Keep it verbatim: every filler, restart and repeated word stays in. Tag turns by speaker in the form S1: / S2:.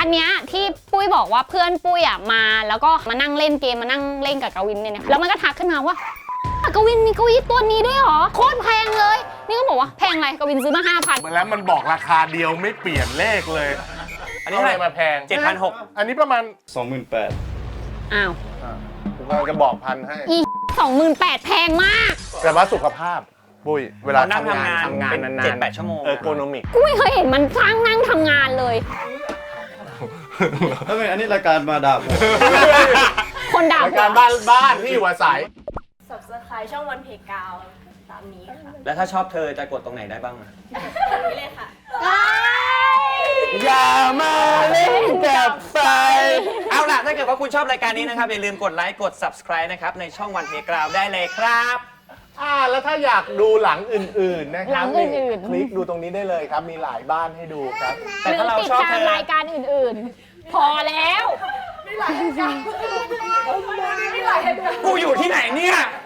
S1: อันเนี้ยที่ปุ้ยบอกว่าเพื่อนปุ้ยอ่ะมาแล้วก็มานั่งเล่นเกมมานั่งเล่นกับกวินเนี่ยแล้วมันก็ทักขึ้นมาว่ากวินมีเก้าอี้ตัวนี้ด้วยเหรอโคตรแพงเลยนี่ก็บอกว่าแพงอะไรกวินซื้อมาห้าพัน
S2: แล้วมันบอกราคาเดียวไม่เปลี่ยนเลขเลย
S3: อันนี้เท่าไหร่
S2: มาแพง
S3: เจ็ดพันหก
S2: อันนี้ประมาณ
S4: สองหมื่นแปด
S1: อ้าว
S2: ผมกำลังจะบอกพันให้
S1: อีสองหมื่นแปดแพงมาก
S2: แต่ว่าสุขภาพปุ้ยเวลา
S3: เรานั่ง
S2: ทำงาน
S3: ทำงาน
S2: ทำงาน
S3: เป็น
S2: นานๆ
S3: เจ็ดแปดชั่วโมง
S2: เออโกนมิก
S1: กูไม่เคยเห็นมันสร้างนั่งทำงานเลย
S4: ทำไมอันนี้รายการมาด่าผม
S1: คนด่าร
S2: ายการบ้านบ้านที่อยู่อาศัย
S5: Subscribe ช่องวันเพกาวตามนี้ค่ะ
S3: แล้วถ้าชอบเธอจะกดตรงไหนได้บ้างอะ
S5: ตรงนี้เลยค่ะ
S2: อย่ามาเล่นกับไฟ
S3: เอาล่ะถ้าเกิดว่าคุณชอบรายการนี้นะครับอย่าลืมกดไลค์กด subscribe นะครับในช่องวันเพกราวได้เลยครับ
S2: อ่าแล้วถ้าอยากดูหลังอื่นๆนะค
S1: หลั
S2: รับ
S1: งอื่นๆ
S2: คลิกดูตรงนี้ได้เลยครับ มีหลายบ้านให้ดูครับ
S3: แต่ถ้าเรา
S1: หอติด
S3: ชอบ
S1: ตา
S3: เธ
S1: ม
S3: อ
S1: รายการอื่นๆ พอแล้ว
S3: กูอยู่ที่ไหนเนี่ย